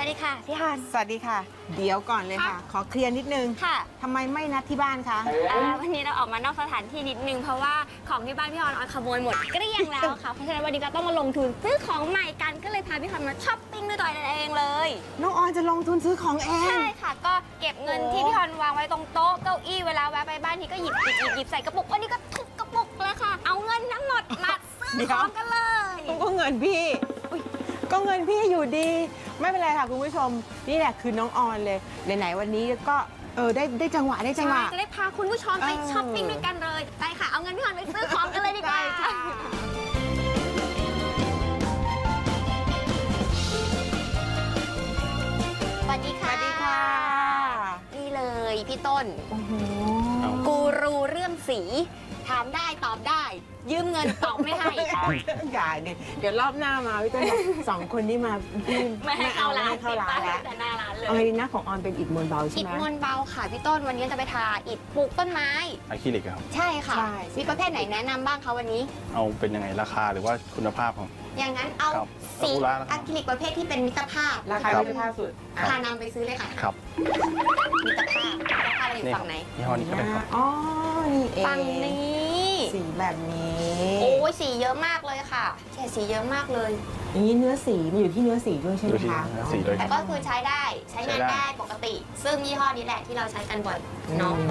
ดีค่ะพี่ฮอนสวัสดีค่ะ เดี๋ยวก่อนเลยค่ะ ขอเคลียร์นิดนึงค่ะทำไมไม่นัดที่บ้านคะวันนี้เราออกมานอกสถานที่นิดนึงเพราะว่าของที่บ้านพี่ฮอนขโมยหมดเกลี้ยงแล้วค่ะ เพราะฉะนั้นวันนี้ก็ต้องมาลงทุนซื้อของใหม่กันก็เลยพาพี่ฮอนมาช้อปปิ้งด้วยตัวเองเลยน้องออนจะลงทุนซื้อของเองใช่ค่ะก็เก็บเงินที่พี่ฮอนวางไว้ตรงโต๊ะเก้าอี้เวลาแวะไปบ้านทีก็หยิบใส่กระปุกวันนี้ก็ทุบกระปุกเลยค่ะ เอาเงินทั้งหมดมาซื้อของกันเลยก็เงินพี่ก็เงินพี่อยู่ดี ไม่เป็นไรค่ะคุณผู้ชม นี่แหละคือน้องออนเลยไหนๆวันนี้ก็ได้จังหวะได้จังหวะจะได้พาคุณผู้ชมไปช้อปปิ้งด้วยกันเลยไปค่ะเอาเงินพี่ฮอนไปซื้อของกันเลยดีกว่าได้ค่ะสวัสดีค่ะสวัสดีค่ะนี่เลยพี่ต้นโอ้โหกูรูเรื่องสีถามได้ตอบได้ ยืมเงินตอบไม่ให้อย่าเนี่ยเดี๋ยวรอบหน้ามาพี่ต้นบอกสองคนนี้มาพี่ไม่ให้เข้าร้านไม่ให้เข้าร้านติดป้ยแล้วแต่หน้าร้านเลยเอาไงดีนะของออนเป็นอิฐมวลเบาใช่อิฐไหมมวลเบาค่ะพี่ต้นวันนี้จะไปทาอิฐปลูกต้นไม้อะคริลิกครับใช่ค่ะใช่มีประเภทไหนแนะนำบ้างคะวันนี้เอาเป็นยังไงราคาหรือว่าคุณภาพของอย่างนั้นเอาครับสีซากุระนะครับอะคริลิกประเภทที่เป็นมิตรภาพราคาครับไม่ได้ภาพสุดพานำไปซื้อเลยค่ะครับมิตรภาพเราอยู่นี่คฝั่รับงไหนยี่ห้อนี้ก็ได้ครับอ๋อ นี่เองฝั่งนี้สีแบบนี้โอ้ยสีเยอะมากเลยค่ะแค่สีเยอะมากเลยอย่างนี้เนื้อสีมันอยู่ที่เนื้อสีด้วยใช่ไหมอยู่ที่คะเนื้อสีด้วยแต่ก็คือใช้ได้ใช้งานได้ปกติ ซึ่งยี่ห้อนี้แหละที่เราใช้กันบ่อยเนาะ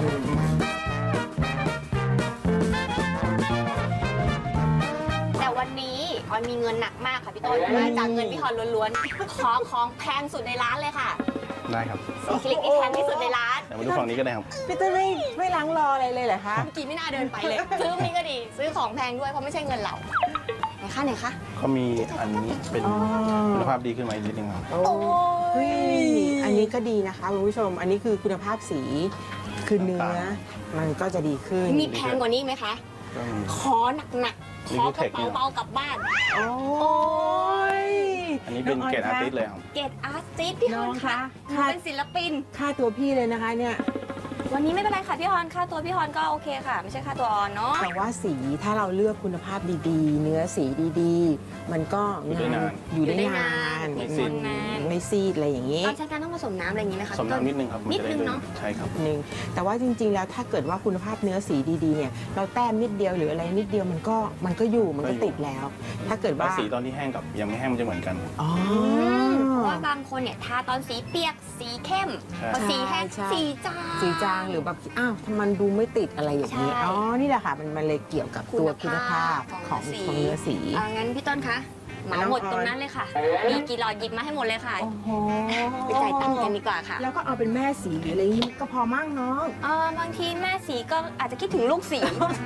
แต่วันนี้ออยมีเงินหนักมากค่ะพี่ต้นมาจากเงินพี่ฮอนล้วนๆ ขอของแพงสุดในร้านเลยค่ะได้ครับสีคลิกที่แพงที่สุดในร้านเดี๋ยวมาดูฝั่งนี้ก็ได้ครับพี่เต้ยไม่ล้างรออะไรเลยเหรอคะเมื่อกี้ไม่น่าเดินไปเลย ซื้อนี้ก็ดี ซื้อของแพงด้วยเพราะไม่ใช่เงินเราไหนคะไหนคะก็มีอันนี้เป็นอ๋อคุณภาพดีขึ้นมาอีกนิดนึงครับโอ้ยอันนี้ก็ดีนะคะคุณผู้ชม อันนี้คือคุณภาพสี คือเนื้อ มันก็จะดีขึ้นมีแพงกว่านี้ไหมคะก็มีขอหนักๆ ขอกระเป๋าเบากลับบ้านโอ้ยอันนี้เป็นเกรดอาร์ติสเลยครับเกรดอาร์ติสพี่ฮอนคะน้องคะเป็นศิลปินค่าตัวพี่เลยนะคะเนี่ยวันนี้ไม่เป็นไรค่ะพี่ฮอนค่าตัวพี่ฮอนก็โอเคค่ะ ไม่ใช่ค่าตัวออนเนาะแต่ว่าสีถ้าเราเลือกคุณภาพดีๆ เนื้อสีดีๆ มันก็อยู่ได้นานอยู่ได้นานไม่ซีซีดดไม่ซีดอะไรอย่างนี้ตอนใช้การต้องผสมน้ำอะไรอย่างนี้ไหมคะสมน้ำนิดนึงครับนิดนึงมัจะเนาะใช่ครับนึงแต่ว่าจริงๆ แล้วถ้าเกิดว่าคุณภาพเนื้อสีดีๆ เนี่ย เราแต้มนิดเดียวหรืออะไรนิดเดียวมันก็อยู่มันก็ติดแล้ว ถ้าเกิดแล้วว่าสีตอนที่แห้งกับยังไม่แห้งมันจะเหมือนกันอ๋อเพราะว่าบางคนเนี่ยทาตอนสีเปียกสีเข้มใช่พอสีแห้งใช่สีจางสีจางหรือแบบอ้าวมันดูไม่ติดอะไรอย่างนี้ใช่อ๋อนี่แหละค่ะมันเลยเกี่ยวกับตัวคุณภาพของเนื้อสีงั้นพี่ต้นคะเหมาหมดตรงนั้นเลยค่ะ มีกี่หลอดหยิบมาให้หมดเลยค่ะโอ้โหไปจ่ายตังค์กันดีกว่าค่ะแล้วก็เอาเป็นแม่สีหรืออะไรนี้ก็พอมั่งน้องบางทีแม่สีก็อาจจะคิดถึงลูกสี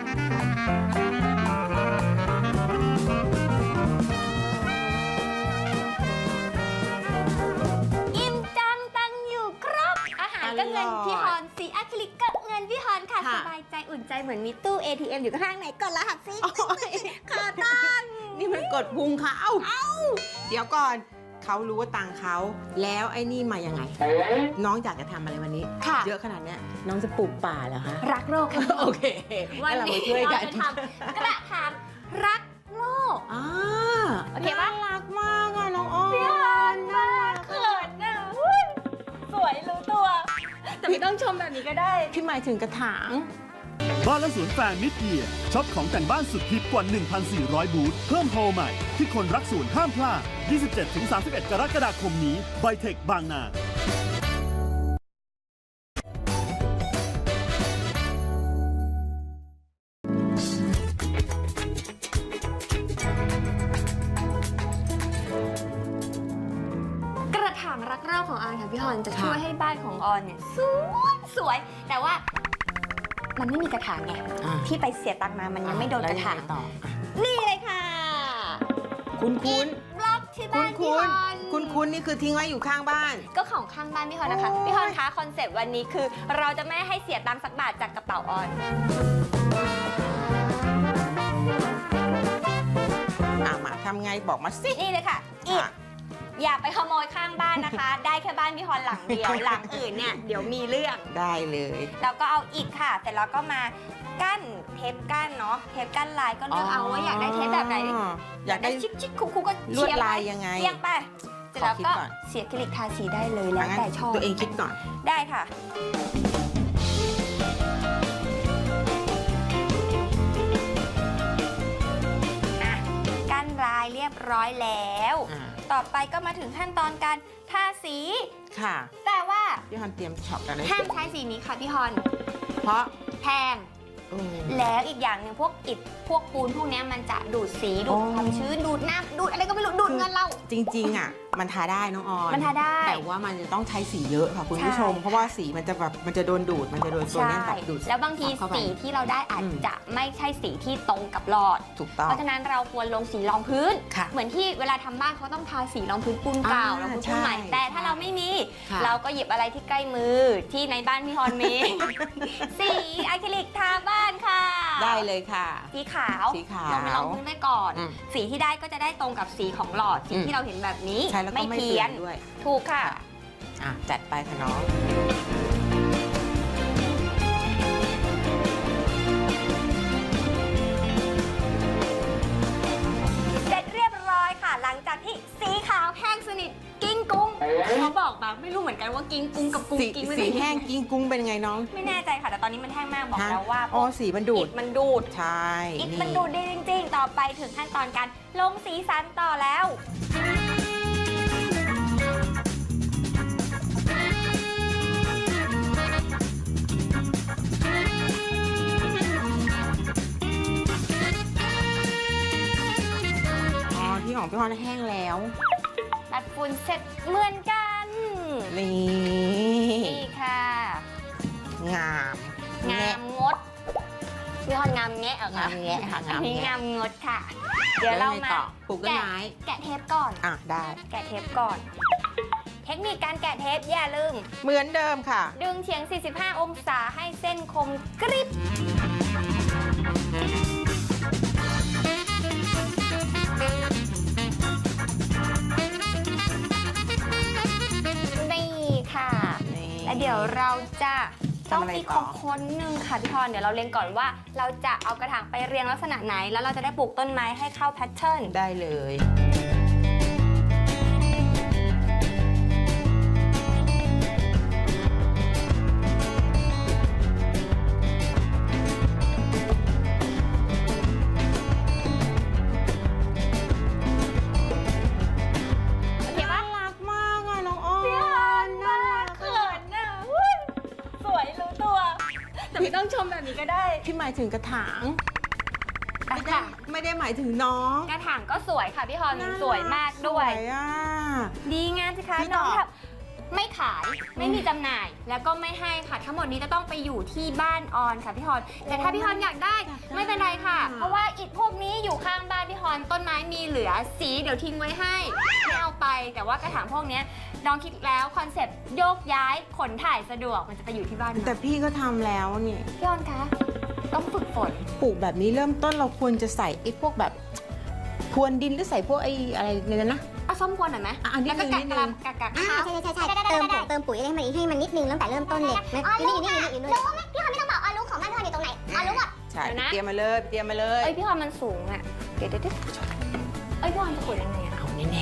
อิ่มจังตังอยู่ครบ อาหารก็เงินพี่ฮอนสีอะคริลิกก็เงินพี่ฮอนค่ะค่ะสบายใจอุ่นใจเหมือนมีตู้ ATM อยู่ข้างไหนกดรหัสสิขอตังค์นี่มันกดพุงเขาเดี๋ยวก่อนเขารู้ว่าตังค์เขาแล้วไอ้นี่มายังไง น้องอยากจะทำอะไรวันนี้ค่ะเยอะขนาดเนี้ยน้องจะปลูกป่าเหรอคะรักโลกค่ะโอเควันงั้เรานี้ไปช่วยเรากันจะทำกระถางรักโลกอ่าโอเคปะน่ารักมากอะน้องอ้อพี่ฮอนมากเขินนะอุ๊ยสวยรู้ตัว แต่ไม่ต้องชมแบบนี้ก็ได้พี่หมายถึงกระถางบ้านและสวนแฟร์มิดเยียร์ช็อปของแต่งบ้านสุดฮิตกว่า 1,400 บูธเพิ่มโฮลใหม่ ที่คนรักสวนห้ามพลาด 27-31 กรกฎาคมนี้ไบเทคบางนากระถางรักโลกของออนค่ะพี่ฮอนจะค่ะช่วยให้บ้านของออนเนี่ยสวย แต่ว่ามันไม่มีกระถางไงอ่ะที่ไปเสียตังค์มามันยังไม่โดนกระถางแล้วยังไงต่อนี่เลยค่ะคุณคุณบล็อกที่บ้านพี่ฮอนคุณนี่คือทิ้งไว้อยู่ข้างบ้านก็ของข้างบ้านพี่ฮอนนะคะโอ้ยพี่ฮอนคะคอนเซปต์วันนี้คือ เราจะไม่ให้เสียตังค์สักบาทจากกระเป๋าออนมาทำไงบอกมาสินี่เลยค่ะอิฐอย่าไปขโมยข้างบ้านนะคะ ได้แค่บ้านพี่ฮอนหลังเดียว หลังอื่นเนี่ยเดี๋ยวมีเรื่องได้เลยแล้วก็เอาอิฐค่ะเสร็จแล้วก็มากั้นเทปกั้นเนาะเทปกั้นลายก็เลือกเอาว่าอยากได้เทปแบบไหนอยากได้ชิคๆคุกๆก็ลวดเฉียงไปลายยังไงเฉียงไปเสร็จแล้วก็ขอคิดก่อนเสียอะคริลิกทาสีได้เลยแล้วงั้นแต่ชอบตัวเองคิดก่อนได้ค่ะ กั้นลายเรียบร้อยแล้ว ต่อไปก็มาถึงขั้นตอนการทาสีค่ะแต่ว่าพี่ฮอนเตรียมช็อปกันเลยห้ามใช้สีนี้ค่ะพี่ฮอนเพราะแพงเออแล้วอีกอย่างหนึ่งพวกอิฐพวกปูนพวกเนี้ยมันจะดูดสีดูดอ๋อความชื้นดูดน้ำดูดอะไรก็ไม่รู้ดูดเงินเราจริงๆอ่ะมันทาได้น้องออนมันทาได้แต่ว่ามันจะต้องใช้สีเยอะค่ะคุณผู้ชมใช่เพราะว่าสีมันจะแบบมันจะโดนดูดมันจะโดนตัวใช่เนี้ยแบบดูดแล้วบางทีเข้าไปสีที่เราได้อาจอืมจะไม่ใช่สีที่ตรงกับหลอดถูกต้องเพราะฉะนั้นเราควรลงสีรองพื้นค่ะเหมือนที่เวลาทำบ้านเขาต้องทาสีรองพื้นปูนเก่าอ่ารองพื้นปูนใหม่ใช่แต่ถ้าเราไม่มีค่ะเราก็หยิบอะไรที่ใกล้มือที่ในบ้านพี่ฮอนมี สีอะคริลิกทาบ้านค่ะได้เลยค่ะสีขาวสีขาวลงไปรองพื้นไว้ก่อนอืมสีที่ได้ก็จะได้ตรงกับสีของหลอดสีอืมที่เราเห็นแบบนี้ใช้แล้วก็ไม่เพี้เปลี่ยยนนด้วยถูกค่ะอ่ะจัดไปค่ะน้องเสร็จเรียบร้อยค่ะ หลังจากที่สีขาวแห้งสนิทกิ้งกุ้งเขาบอกมาไม่รู้เหมือนกันว่ากิ้งกุ้งกับกุ้งสีกิ้งไม่สีได้แห้งกิ้งกุ้งเป็นไงน้องไม่แน่ใจค่ะแต่ตอนนี้มันแห้งมากบอกฮะแล้วว่าอ๋อสีมันดูดอิฐมันดูดใช่อิฐนี่มันดูดดีจริงๆ ต่อไปถึงขั้นตอนการลงสีสันต่อแล้วอ๋อที่ของพี่ฮอนแห้งแล้วตัดฝุ่นเสร็จเหมือนกันนี่นี่ค่ะงามงามงดพี่ฮอนงามแงะเหรอคะงามแงะค่ะอังาน มนี้แงะงามงดค่ะ เดี๋ยวเรามาปลูกต้นไม้แกะเทปก่อนอ่ะได้แกะเทปก่อน เทคนิคการแกะเทปอย่าลืมเหมือนเดิมค่ะดึงเฉียง 45 องศาให้เส้นคมกริบนี่ค่ะนี่และเดี๋ยวเราจะต้องทำอะไรมีต่ขอองค้นหนึ่งค่ะพี่พรเดี๋ยวเราเล็งก่อนว่า เราจะเอากระถางไปเรียงลักษณะไหน แล้วเราจะได้ปลูกต้นไม้ให้เข้าแพทเทิร์นได้เลยโอเคปะรักมากอ่ะน้องอ้อพี่พรมากเขินน่ะอุ๊ยสวยรู้ตัว แต่ไม่ต้องชมแบบนี้ก็ได้พี่หมายถึงกระถางอ่ะค่ะไม่ได้หมายถึงน้องกระถางก็สวยค่ะพี่พรน่รัสวยมากด้วยสวยอ่ะดีงามสิคะพี่น้องต่อแบบไม่ขายไม่มีจำหน่ายแล้วก็ไม่ให้ค่ะ ทั้งหมดนี้จะต้องไปอยู่ที่บ้านออนค่ะพี่ฮอนแต่ถ้าพี่ฮอนอยากได้ไม่เป็นไรค่ะ เพราะว่าอิฐพวกนี้อยู่ข้างบ้านพี่ฮอนต้นไม้มีเหลือสีเดี๋ยวทิ้งไว้ให้ไม่เอาไป แต่ว่ากระถางพวกเนี้ยน้องคิดแล้วคอนเซ็ปต์โยกย้ายขนถ่ายสะดวกมันจะไปอยู่ที่บ้านแต่พี่ก็ทำแล้วนี่พี่ฮอนคะต้องฝึกฝนปลูกแบบนี้เริ่มต้นเราควรจะใส่ไอ้พวกแบบพรวนดินหรือใส่พวกไอ้อะไรเนี่ยนะเอาส้มควนหน่อยไหมอ่ะอันนี้แล้วก็นิดนึงกักใช่เติมปุ๋ยให้มันนิดนึงตั้งแต่เริ่มต้นเลยอยู่นี่อยู่นี่รู้ไหมพี่ฮอนไม่ต้องบอกออรู้ของบ้านพี่ฮอนอยู่ตรงไหนออรู้หมดใช่เตรียมมาเลยเตรียมมาเลยเอ้ยพี่ฮอนมันสูงอ่ะเดี๋ยวเอ้ยพี่ฮอนจะขุดยังไงอะเอาแน่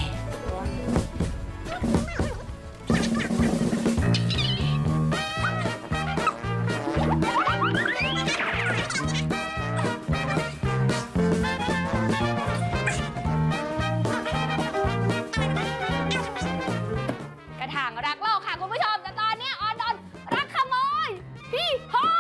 กระถางรักโลกค่ะคุณผู้ชมแต่ตอนนี้ออนโดนรักขโมยพี่ฮอน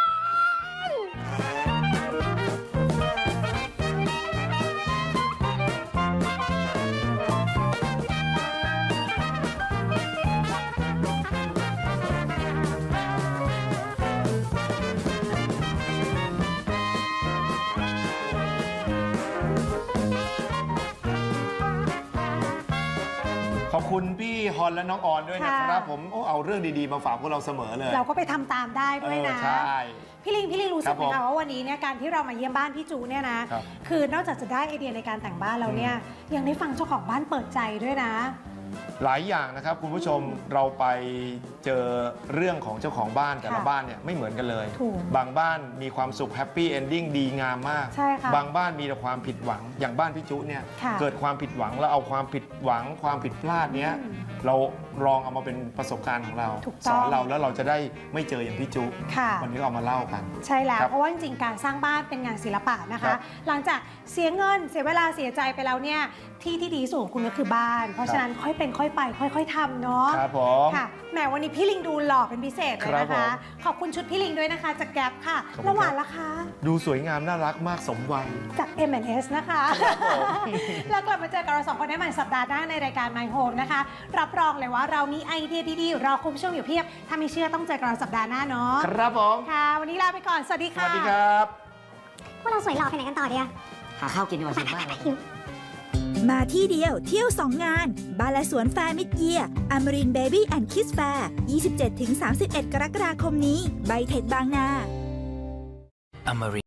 ขอบคุณพี่ฮอนและน้องออนด้วยนะครับผมเอาเรื่องดีๆมาฝากพวกเราเสมอเลยเราก็ไปทำตามได้ด้วยนะใช่พี่ลิงรู้สึกไหมครัคะบผมว่าวันนี้เนี่ยการที่เรามาเยี่ยมบ้านพี่จูเนี่ยนะครับคือนอกจากจะได้ไอเดียในการแต่งบ้านแล้วเนี่ยยังได้ฟังเจ้าของบ้านเปิดใจด้วยนะหลายอย่างนะครับคุณผู้ชมเราไปเจอเรื่องของเจ้าของบ้านแต่ละค่ะบ้านเนี่ยไม่เหมือนกันเลยถูกบางบ้านมีความสุขแฮปปี้เอนดิ้งดีงามมากใช่ค่ะบางบ้านมีแต่ความผิดหวังอย่างบ้านพี่จุเนี่ยค่ะเกิดความผิดหวังแล้วเอาความผิดหวังความผิดพลาดเนี้ยเราลองเอามาเป็นประสบการณ์ของเราถูกสต้อองนเราแล้วเราจะได้ไม่เจออย่างพี่จุค่ะวันนี้ก็เอามาเล่ากันใช่แล้วครับเพราะว่าจริงๆ การสร้างบ้านเป็นงานศิลปะนะครัคะบหลังจากเสียเงินเสียเวลาเสียใจไปแล้วเนี่ยที่ที่ดีที่สุดของคุณก็คือบ้าน เพราะฉะนั้นค่อยเป็นค่อยไปค่อย ๆทำเนาะครับผมค่ะแหมวันนี้พี่ลิงดูหล่อเป็นพิเศษเลยนะครัคะบผมขอบคุณชุดพี่ลิงด้วยนะคะจากแก๊ปค่ะขอบคุณครับแล้วหวานล่ะคะดูสวยงามน่ารักมากสมวัยจาก M&S นะคะ แล้วกลับมาเจอกับเราสองคนได้ใหม่สัปดาห์หน้าในรายการ My Home นะคะ รับรองเลยว่าเรามีไอเดียดีๆรอคุณผู้ชมอยู่เพียบ ถ้าไม่เชื่อต้องเจอกับเราสัปดาห์หน้าเนาะครับผมค่ะ วันนี้ลาไปก่อน สวัสดีสค่ะวัสดีครับพวกเราสวยหล่อไปไหนกันต่อดีอะหาข้าวกินดีกว่าสิมากเลยมาที่เดียวเที่ยว 2 งาน บ้านและสวนแฟร์มิดเยียร์อมรินเบบี้แอนด์คิสแฟร์ 27-31 กรกฎาคมนี้ ไบเทคบางนา